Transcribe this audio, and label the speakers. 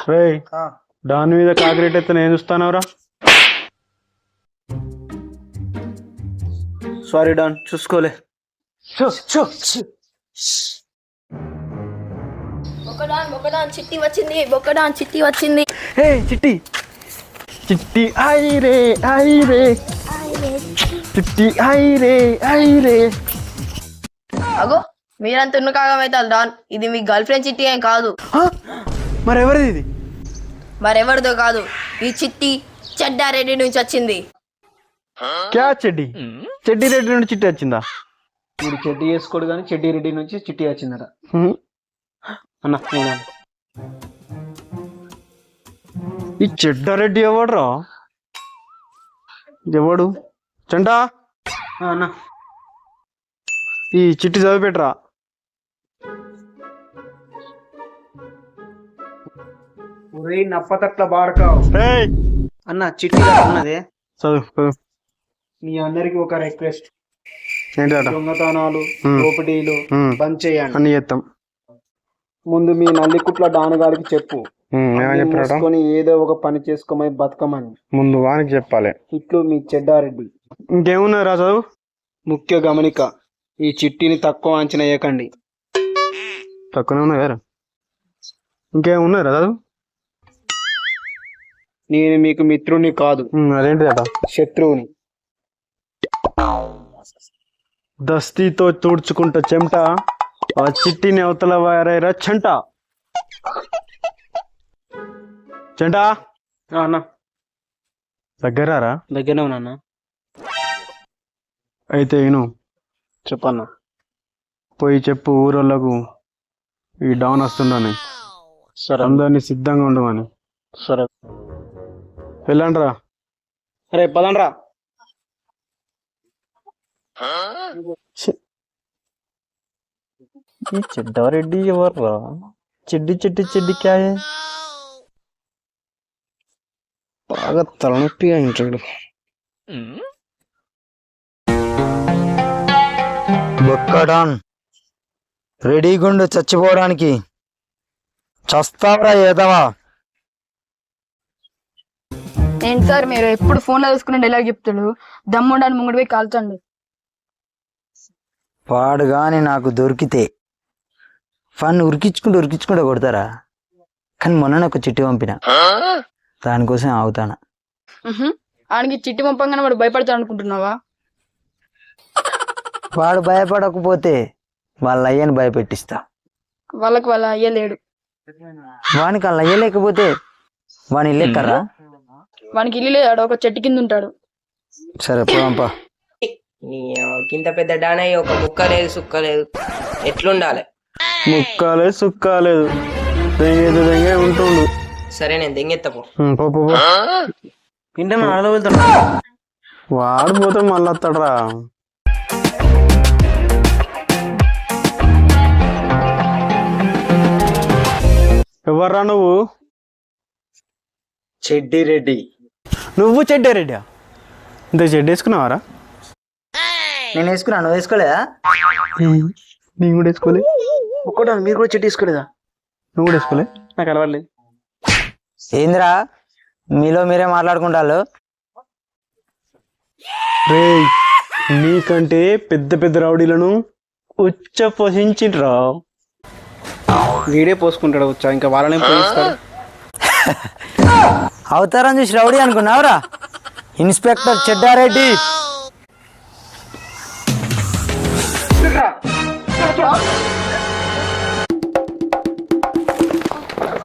Speaker 1: రేయ్ దాని మీద కాకిరెట్ అయితే నేను చూస్తానవరా.
Speaker 2: Sorry don, చూసుకోలే.
Speaker 3: బొక్కడాన్ చిట్టి వచ్చింది, బొక్కడాన్ చిట్టి వచ్చింది.
Speaker 1: హే చిట్టి చిట్టి ఐరే ఐరే చిట్టి ఐరే ఐరే.
Speaker 3: అగో మీరంత ఉన్న కాగమవుతారు డాన్. ఇది మీ గర్ల్ ఫ్రెండ్ చిట్టి ఏం కాదు.
Speaker 1: మరెవరిది ఇది?
Speaker 3: మరెవరిదో కాదు, ఈ చిట్టి చెడ్డారెడ్డి నుంచి వచ్చింది.
Speaker 1: క్యా చెడ్డి? చెడ్డి రెడ్డి నుండి చిట్టి వచ్చిందా?
Speaker 2: వీడు చెడ్డి వేసుకోడు కానీ చెడ్డి రెడ్డి నుంచి చిట్టి వచ్చిందట. అన్న
Speaker 1: ఈ చెడ్డారెడ్డి ఎవడ్రా? ఎవడు? చంటా
Speaker 2: అన్న
Speaker 1: ఈ చిట్టి చదివిపెట్టరా.
Speaker 2: నప్పతట్ల బాడకావు అన్న. చిట్టి ఉన్నదే
Speaker 1: చదువు.
Speaker 2: మీ అందరికి ఒక రిక్వెస్ట్,
Speaker 1: ఏంటట?
Speaker 2: దొంగతనాలు దోపిడీలు బంద్ చేయండి.
Speaker 1: అన్ని చేస్తాం.
Speaker 2: ముందు మీ నల్లికుట్ల డానగాడికి చెప్పు,
Speaker 1: ఏమని చెప్పారట?
Speaker 2: మూసుకొని ఏదో ఒక పని చేసుకోమని బతకమని.
Speaker 1: ముందు వానికి చెప్పాలి.
Speaker 2: ఇట్లు మీ చెడ్డారెడ్డి.
Speaker 1: ఇంకేమున్నది రా చదువు.
Speaker 2: ముఖ్య గమనిక, ఈ చిట్టిని తక్కువ అంచనా వేయకండి.
Speaker 1: తక్కువనే ఉన్నాయి కదా. ఇంకేమున్నది రా చదువు.
Speaker 2: నేను మీకు మిత్రుని కాదు,
Speaker 1: అదేంటిదట?
Speaker 2: శత్రువుని.
Speaker 1: దస్తీతో తుడుచుకుంటా చెమట, ఆ చిట్టిని అవతల వారైరా చంట. చంట
Speaker 2: అన్న
Speaker 1: దగ్గరారా?
Speaker 2: దగ్గరనే ఉన్నా.
Speaker 1: అయితే నేను
Speaker 2: చెప్పన్నా.
Speaker 1: పోయి చెప్పు ఊరోళ్ళకు ఈ డౌన్ వస్తుండని.
Speaker 2: సరే
Speaker 1: అందరినీ సిద్ధంగా ఉండమని.
Speaker 2: సరే
Speaker 1: వెళ్ళండ్రా.
Speaker 2: అరే పదండ్రా.
Speaker 1: ఈ చెడ్డారెడ్డి ఎవర్రా? చెడ్డి చెడ్డి చెడ్డి క్యాయే? బాగా తలనొప్పిగా ఉంటాడు.
Speaker 4: బొక్కడాన్ రెడీగుండు చచ్చిపోవడానికి. చస్తావరా ఏదవా?
Speaker 5: ఏంటి సార్ మీరు ఎప్పుడు ఫోన్లో చూసుకుని డైలాగ్ చెప్తాడు? దమ్ముండని ముంగడి పోయి కాల్చండి.
Speaker 4: వాడు గాని నాకు దొరికితే ఫన్ ఉరికించుకుంటూ కొడతారా? కానీ మొన్న ఒక చిట్టి పంపిన, దానికోసం ఆగుతానా.
Speaker 5: ఆడికి చిట్టి పంపంగానే వాడు భయపడతాడు అనుకుంటున్నావా?
Speaker 4: వాడు భయపడకపోతే వాళ్ళ అయ్యని భయపెట్టిస్తా.
Speaker 5: వాళ్ళకి వాళ్ళ అయ్యలేడు.
Speaker 4: వానికి వాళ్ళ అయ్య లేకపోతే వాని లెక్కరా?
Speaker 5: వానికి ఇల్లు లేదు, ఒక చెట్టు కింద ఉంటాడు.
Speaker 4: సరే పోంపా.
Speaker 6: ఇంత పెద్ద డానయ్య ఒక ముక్క లేదు సుక్క లేదు, ఎట్లుండాలి?
Speaker 1: ముక్కాలేదు సుక్కాలేదు, దెంగే ఉంటుండు.
Speaker 6: సరే నేను దెంగెత్తపో.
Speaker 1: పో పో పో.
Speaker 2: ఇంటే మన అడలో వెళ్తున్నా.
Speaker 1: వాడు పోతే మళ్ళీ వస్తాడరా. ఎవర్రా నువ్వు?
Speaker 2: చెడ్డి రెడ్డి.
Speaker 1: నువ్వు చెడ్డారెడ్డి? ఇంత చెడ్డ వేసుకున్నావారా?
Speaker 4: నేను వేసుకున్నా, నువ్వు వేసుకోలేదా?
Speaker 1: నేను కూడా వేసుకోలే.
Speaker 2: ఒక్కడా మీరు కూడా చెట్టు తీసుకోలేదా?
Speaker 1: నువ్వు కూడా వేసుకోలే.
Speaker 2: నాకు అలవాట్లేదు.
Speaker 4: ఏంద్రా మీలో మీరే మాట్లాడుకుంటారు?
Speaker 1: రే నీకంటే పెద్ద పెద్ద రౌడీలను ఉచ్చ పోషించిండ్రా.
Speaker 2: వీడే పోసుకుంటాడు వచ్చా, ఇంకా వాళ్ళనే పోయిస్తాడు.
Speaker 4: అవతారం చూసి రౌడీ అనుకున్నావురా? ఇన్స్పెక్టర్ చెడ్డారెడ్డి.